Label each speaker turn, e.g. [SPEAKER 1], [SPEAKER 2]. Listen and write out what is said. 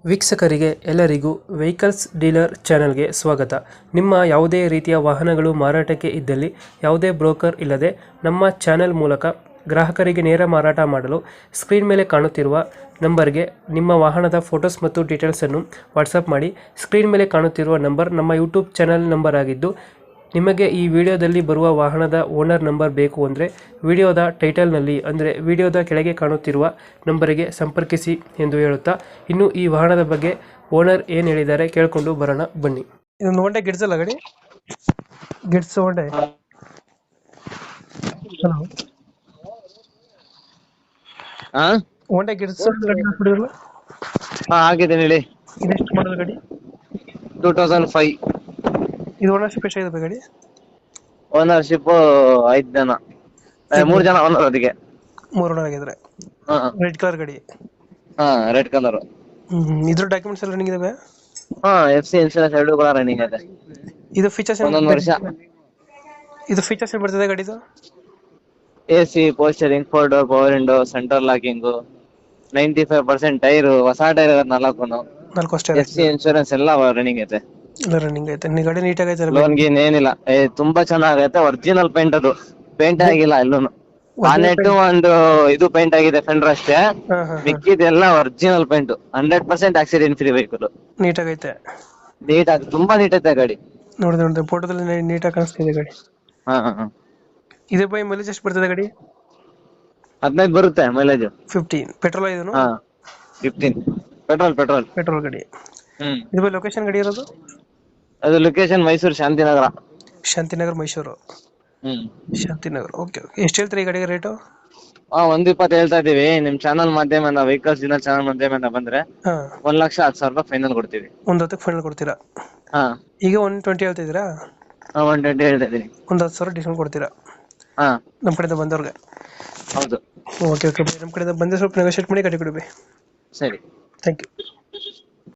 [SPEAKER 1] ವೀಕ್ಷಕರಿಗೆ ಎಲ್ಲರಿಗೂ vehicles dealer ಚಾನೆಲ್ಗೆ ಸ್ವಾಗತ. ನಿಮ್ಮ ಯಾವುದೇ ರೀತಿಯ ವಾಹನಗಳು ಮಾರಾಟಕ್ಕೆ ಇದ್ದಲ್ಲಿ ಯಾವುದೇ ಬ್ರೋಕರ್ ಇಲ್ಲದೆ ನಮ್ಮ ಚಾನೆಲ್ ಮೂಲಕ ಗ್ರಾಹಕರಿಗೆ ನೇರ ಮಾರಾಟ ಮಾಡಲು ಸ್ಕ್ರೀನ್ ಮೇಲೆ ಕಾಣುತ್ತಿರುವ ನಂಬರ್ಗೆ ನಿಮ್ಮ ವಾಹನದ ಫೋಟೋಸ್ ಮತ್ತು ಡೀಟೇಲ್ಸನ್ನು ವಾಟ್ಸಪ್ ಮಾಡಿ. ಸ್ಕ್ರೀನ್ ಮೇಲೆ ಕಾಣುತ್ತಿರುವ ನಂಬರ್ ನಮ್ಮ ಯೂಟ್ಯೂಬ್ ಚಾನೆಲ್ ನಂಬರ್ ಆಗಿದ್ದು, ನಿಮಗೆ ಈ ವಿಡಿಯೋದಲ್ಲಿ ಬರುವ ವಾಹನದ ಓನರ್ ನಂಬರ್ ಬೇಕು ಅಂದರೆ ವಿಡಿಯೋದ ಟೈಟಲ್ನಲ್ಲಿ ಅಂದರೆ ವಿಡಿಯೋದ ಕೆಳಗೆ ಕಾಣುತ್ತಿರುವ ನಂಬರಿಗೆ ಸಂಪರ್ಕಿಸಿ ಎಂದು ಹೇಳುತ್ತಾ, ಇನ್ನು ಈ ವಾಹನದ ಬಗ್ಗೆ ಓನರ್ ಏನು ಹೇಳಿದ್ದಾರೆ ಕೇಳಿಕೊಂಡು ಬರೋಣ ಬನ್ನಿ. ಇದೊಂದು ಹೊಂಡೆ ಗಿಡ್ಸ್ ಅಲ್ಲ ಗಾಡಿ? ಗಿಡ್ಸ್ ಹೊಂಡೆ. ಹಲೋ, ಹೊಂಡೆ ಗಿಡ್ಸ್
[SPEAKER 2] ಆಗಿದೆ ಹೇಳಿ.
[SPEAKER 1] ಇದೆಷ್ಟು ಮಾಡಲ್ ಗಾಡಿ?
[SPEAKER 2] 2005.
[SPEAKER 1] ಇದು ಓನರ್ಶಿಪ್ ಎಷ್ಟಾಗಿದೆ ಗಾಡಿ?
[SPEAKER 2] ಓನರ್ಶಿಪ್ 5 ಜನ, 3 ಜನ ಓನರ್. ಅದಕ್ಕೆ
[SPEAKER 1] 3 ಓನರ್ ಆಗಿದ್ರೆ. ರೆಡ್ ಕಲರ್ ಗಾಡಿ.
[SPEAKER 2] Red colour.
[SPEAKER 1] ಇದ್ರ ಡಾಕ್ಯುಮೆಂಟ್ಸ್ ಎಲ್ಲ ರನ್ನಿಂಗ್ ಇದಾವೆ?
[SPEAKER 2] FC ಇನ್ಶೂರೆನ್ಸ್ 2 ಕೂಡ ರನ್ನಿಂಗ್ ಇದೆ.
[SPEAKER 1] ಇದು ಫೀಚರ್ಸ್ ಏನು?
[SPEAKER 2] 1 ವರ್ಷ.
[SPEAKER 1] ಇದು ಫೀಚರ್ಸ್ ಏನು ಬರ್ತದೆ ಗಾಡಿದು?
[SPEAKER 2] AC, power steering, 4 door power window, centre locking, 95% tyre, ಹೊಸ ಟೈರ್ 4
[SPEAKER 1] ಅಷ್ಟೇ.
[SPEAKER 2] FC ಇನ್ಶೂರೆನ್ಸ್ ಎಲ್ಲ ರನ್ನಿಂಗ್ ಐತೆ.
[SPEAKER 1] ಎಲ್ಲ ರನ್ನಿಂಗ್ ಐತೆ. ಗಾಡಿ ನೀಟಾಗಿ ಐತೆ?
[SPEAKER 2] ಲೋನ್ ಗೀನ್ ಏನಿಲ್ಲ. ತುಂಬಾ ಚೆನ್ನಾಗೈತೆ. ಒರಿಜಿನಲ್ ಪೇಂಟ್, ಅದು ಪೇಂಟ್ ಆಗಿಲ್ಲ ಎಲ್ಲೂನು. ಬಾನೆಟ್ ಒಂದು ಇದು ಪೇಂಟ್ ಆಗಿದೆ, ಫೆಂಡರ್ ಅಷ್ಟೇ. ಮಿಕ್ಕಿದೆಲ್ಲ original paint. 100% accident free vehicle.
[SPEAKER 1] ನೀಟಾಗೈತೆ.
[SPEAKER 2] ನೀಟಾಗಿ ತುಂಬಾ ನೀಟ್ ಐತೆ ಗಾಡಿ.
[SPEAKER 1] ನೋಡಿದೆ ಫೋಟೋದಲ್ಲಿ ನೀಟಾಗಿ ಕಾಣಿಸ್ತಿದೆ ಗಾಡಿ. ಇದೇ ಬೈ ಮೈಲೇಜ್ ಎಷ್ಟು ಬರ್ತದೆ ಗಾಡಿ?
[SPEAKER 2] 15 ಬರುತ್ತೆ ಮೈಲೇಜ್.
[SPEAKER 1] 15 ಪೆಟ್ರೋಲ್ ಇದನ್ನು?
[SPEAKER 2] 15 ಪೆಟ್ರೋಲ್
[SPEAKER 1] ಗಾಡಿ. ಇದು ಬೈ ಲೊಕೇಶನ್ ಗಾಡಿ ಇರೋದು?
[SPEAKER 2] ಅದು ಲೊಕೇಶನ್ ಮೈಸೂರು,
[SPEAKER 1] ಶಾಂತಿನಗರ ಮೈಸೂರು. ಶಾಂತಿನಗರ. ಓಕೆ. ಎಷ್ಟು ಹೇಳ್ತೀರಿ ಈ ಗಾಡಿಗೆ ರೇಟು?
[SPEAKER 2] 120 ಹೇಳ್ತಾ ಇದೀವಿ. ನಿಮ್ ಚಾನಲ್ ಮಾಧ್ಯಮದಿಂದ, ವೆಹಿಕಲ್ಸ್ ದಿನ ಚಾನಲ್ ಮಾಧ್ಯಮದಿಂದ ಬಂದ್ರೆ 1,10,000 ರೂಪಾಯಿ ಫೈನಲ್ ಕೊಡ್ತೀವಿ.
[SPEAKER 1] 1,10,000 ಫೈನಲ್ ಕೊಡ್ತೀರಾ? ಈಗ 120 ಹೇಳ್ತಿದ್ದೀರಾ?
[SPEAKER 2] 120 ಹೇಳ್ತಾ ಇದೀನಿ.
[SPEAKER 1] 10,000 ಡಿಸ್ಕೌಂಟ್ ಕೊಡ್ತೀರಾ ನಮ್ಮ ಕಡೆಯಿಂದ ಬಂದವ್ರಿಗೆ?
[SPEAKER 2] ಹೌದು.
[SPEAKER 1] ಓಕೆ. ನಮ್ಮ ಕಡೆಯಿಂದ ಬಂದ್ರೆ ಸ್ವಲ್ಪ ನೆಗೋಶಿಯೇಟ್ ಮಾಡಿ ಗಾಡಿ ಕೊಡಿ.
[SPEAKER 2] ಸರಿ,
[SPEAKER 1] ಥ್ಯಾಂಕ್ ಯು.